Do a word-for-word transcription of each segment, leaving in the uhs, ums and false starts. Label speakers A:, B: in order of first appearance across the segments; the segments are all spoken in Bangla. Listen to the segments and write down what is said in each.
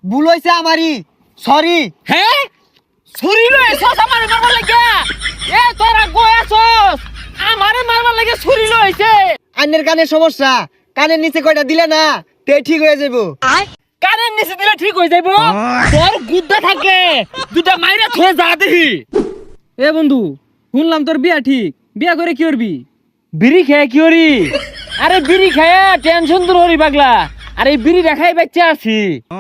A: ভুল হইছে আমারই, সরি।
B: হ্যাঁ ছুরি লয়ে এসছ আমারে মারবার লাগে? এ তোরা গোয়াছস আমারে মারবার লাগে ছুরি লইছে।
A: আন্নের কানের সমস্যা, কানের নিচে কয়টা দিলে না তে ঠিক হয়ে যাবো।
B: কানের নিচে দিলে ঠিক হয়ে যাইবো? তোর গুদ্দা থাকে দুটা মাইরা থয়ে যা দেখি।
C: এ বন্ধু, শুনলাম তোর বিয়া ঠিক, বিয়া করে কি করবি?
B: বিড়ি খেয়ে কি হরি? আরে বিড়ি খেয়ে টেনশন দূর হরি পাগলা। আরে এই বিড়ি দেখাই বাচ্চা আছি।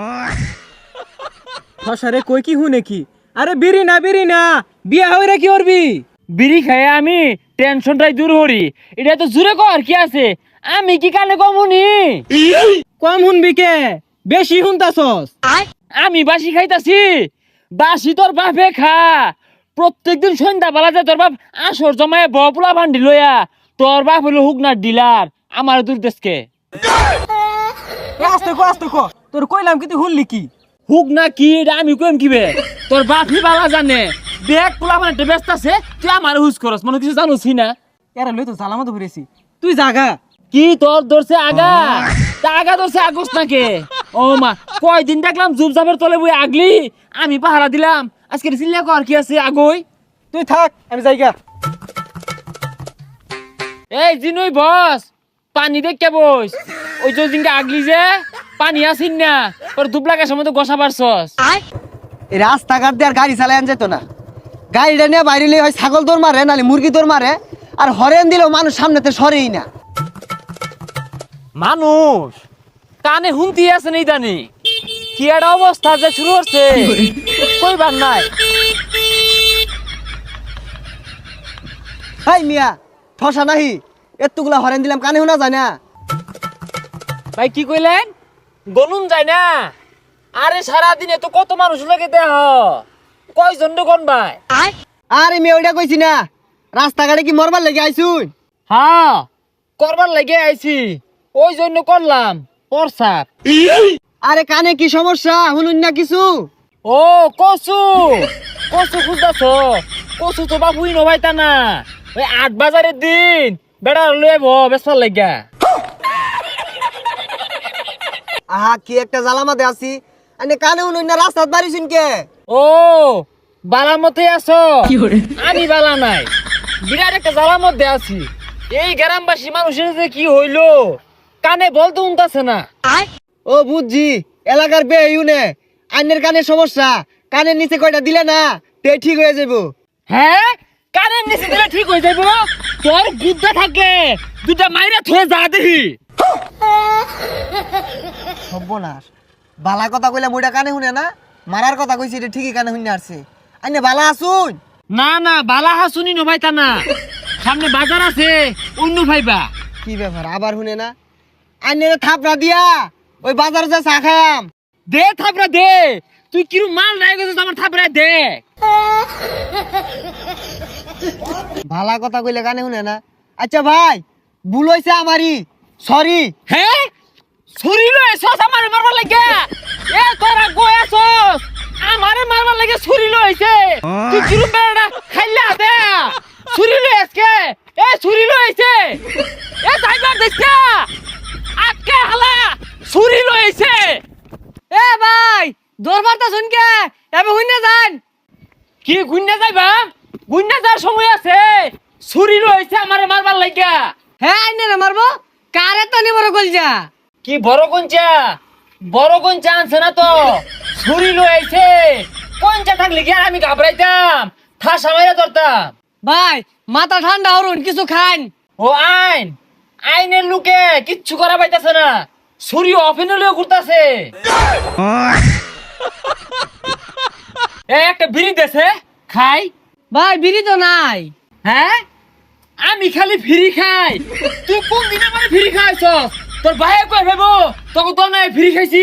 C: ফসারে কই কি হুনে কি? আরে বিড়ি না বিড়ি না, বিয়া হইরা কি করবি?
B: বিড়ি খেয়ে আমি টেনশনটাই দূর হরি। এটা তো জুড়ে কর কি আছে, আমি কি কানে কমুনি?
C: কম শুনবি কে, বেশি শুনতাছস।
B: আমি বাসি খাইতাছি? বাসি তোর বাপে খা। প্রত্যেকদিন সন্ধ্যা বেলা যায় তোর বাপ আসর জমায় বপুলা ভান্ডি লইয়া। তোর বাপ হলো হুকনার ডিলার, আমার দূর দেশকে।
C: আস্তে কো আস্তে কো, তোর কইলাম কি তুই শুনলি কি?
B: হুক না কি এটা আমি কইম কিবে? তোর বাপই বালা জানে। দেখ পোলা মানে ব্যস্ত আছে, তুই আমার হুজ করস, মনে কিছু জানোসি না?
C: এরা লই তো জালামত ঘুরেছি, তুই জাগা।
B: কি তোর ধরছে আগা? তা আগা ধরছে আগস নাকে? ও মা, কয়দিন দেখলাম জুবজাবের তলে বই আগলি, আমি পাহারা দিলাম। আজকে চিল্লা কর কি আছে আগই?
C: তুই থাক, আমি যাইগা।
B: এই জিনুই বস, পানি দেখে বস। ওই যে দিনকে আগলি যে পানি আসিন না, তোর দুবলাকের সময় তো গোসা পারছস।
A: এই রাস্তাঘাট দিয়ে আর গাড়ি চালায় যেত না। গাড়িটা নিয়ে বাইরে হয় ছাগল দৌড় মারে, নাহলে মুরগি দৌড় মারে। আর হরেন দিলেও মানুষ সামনেতে সরেই না।
B: মানুষ কানে হুমতি আছে নেই জানি কি একটা অবস্থা যে শুরু হচ্ছে, কইবার নাই।
A: হাই মিয়া, ঠসা নাহি, এতগুলা হরেন দিলাম কানে শোনা যায় না।
B: ভাই কি কইলেন? গনুন যায় না? আরে সারাদিনে তো কত মানুষ লাগে দেহ, কয়জন কোন ভাই?
A: আরে মেয়ে ওইটা কইছি না, রাস্তাঘাটে কি মরবার লেগে আইসুন?
B: হ্যাঁ করবার লাগে আইছি, ওই জন্য করলাম প্রসাব।
A: আরে কানে কি সমস্যা শুনুন না কিছু?
B: ও কসু, কসু খুঁজতেছ? কসু তো বাবুই নবাইতা না। ওই আট বাজারের দিন বেড়া লয়ে ব বেসার লাগা।
A: আহা কি একটা জ্বালামাতে আছি, আনে কানে শুনুন না, রাস্তাত বাড়িছুন কে?
B: ও বালা মতে আছো? আমি বালা নাই, বিরাট একটা জ্বালার মধ্যে আছি। এই গ্রামবাসী মানুষের যে কি হইলো, কানে বলতে উনতাছে না।
A: ও বুঝছি, এলাকার বে ইউনে আইনের কানের সমস্যা, কানের নিচে কয়টা দিলে না তে ঠিক হয়ে যাবো।
B: হ্যাঁ কানের নিচে দিলে ঠিক হয়ে যাবো? তোর গুদ্দা থাকে দুটা মাইরা থয়ে যা দেখি।
A: সর্বনাশ, বালা কথা কইলে মুইটা কানে শুনে না, মারার কথা কইছি এটা ঠিকই কানে শুনে আসছে। আইনে বালা আসুন?
B: না না বালা হাসুনি নভাইতা না, সামনে বাজার আছে অন্য ভাইবা।
A: কি ব্যাপার আবার শুনে না? আইনের থাপড়া দিয়া ওই বাজারে যা চা খায়াম।
B: দে থাপড়া দে, তুই কিরু মাল নাই গেছিস আমার থাপড়া দে।
A: ভালা কথা কইলে কানে শুনে না। আচ্ছা ভাই, ভুল হইছে আমারই, সরি।
B: হ্যাঁ ছুরি লয়ে এসছ আমারে মারবার লাগে? এ তোরা গোয়াছস আমারে মারবার লাগে ছুরি লইছে? তুই কিরু বেড়া খাইলা দে ছুরি লয়ে আজকে? এ ছুরি লইছে, এ যাইবার দেখছা আজকে হালা ছুরি লইছে।
C: এ ভাই, দরবারটা শুন কে, এবে হুইনা যান।
B: কি গুন্না যাইবা? গুন্না যাওয়ার সময় আছে, ছুরি লইছে আমারে মারবার লাগা।
C: হ্যাঁ আইনে রে মারবো, কারে তো নি বড় কইজা।
B: কি বড় কঞ্চা? বড় কঞ্চা আনছে না তো, ছুরি লইছে। কঞ্চা থাকলে কি আর আমি ঘাবড়াইতাম, ঠাসা মাইরা ধরতাম।
C: ভাই মাথা ঠান্ডা হরুন, কিছু খান।
B: ও আইন, আইনের লোকে কিচ্ছু করা পাইতাছে না, ছুরি অফেন লইয়া ঘুরতাছে। এ একটা বিড়ি দেছে খাই।
C: ভাই বিড়ি তো নাই।
B: হ্যাঁ আমি খালি ফ্রি খাই, তুই কোন দিন আমার ফ্রি খাইছ? তোর ভাইয়ে কই ভেবো তোকে তো নাই ফ্রি খাইছি।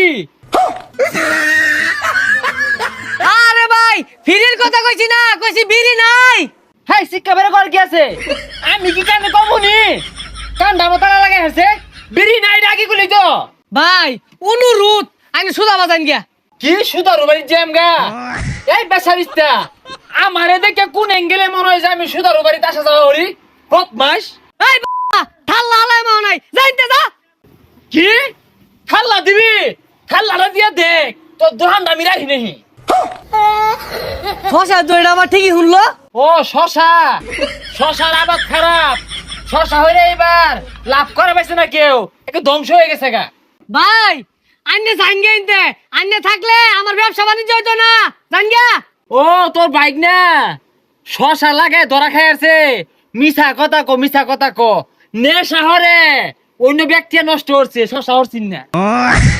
C: আরে ভাই ফিরির কথা কইছি না, কইছি বিড়ি নাই।
B: হাই শিক্ষা বের কর কি আছে? আমি কি কানে কমুনি? কান্দা মতালা লাগে হেছে, বিড়ি নাই ডাকি গুলি তো।
C: ভাই অনুরোধ, আমি সুদা বাজান গিয়া।
B: কি সুদার বাড়ি জ্যাম গা? এই বেসারিস্তা আমারে দেখে কোন অ্যাঙ্গেলে মনে হয় যে আমি সুদার বাড়িতে আসা যাওয়া করি? বদমাস।
C: এই বাবা ঠাল্লা হালাই মাও নাই, যাইতে যা।
B: কি খাল্লা দিবি? খাল্লাটা দিয়া দেখ তোর দোকান দামি রাখি নেহি।
C: শশা দইটা আমার ঠিকই শুনলো।
B: ও শশা, শশার আবাদ খারাপ। শশা হইলে এবার লাভ করা পাইছে না কেউ, একটু ধ্বংস হয়ে গেছে গা।
C: ভাই আন্নে জাঙ্গে ইনতে, আন্নে থাকলে আমার ব্যবসা বাণিজ্য হইতো না, জাঙ্গা।
B: ও তোর বাইক না শশা লাগায় ধরা খাই আছে। মিছা কথা কো, মিছা কথা কো। নে শহরে অন্য ব্যক্তি নষ্ট করছে, শশা হরছিন না।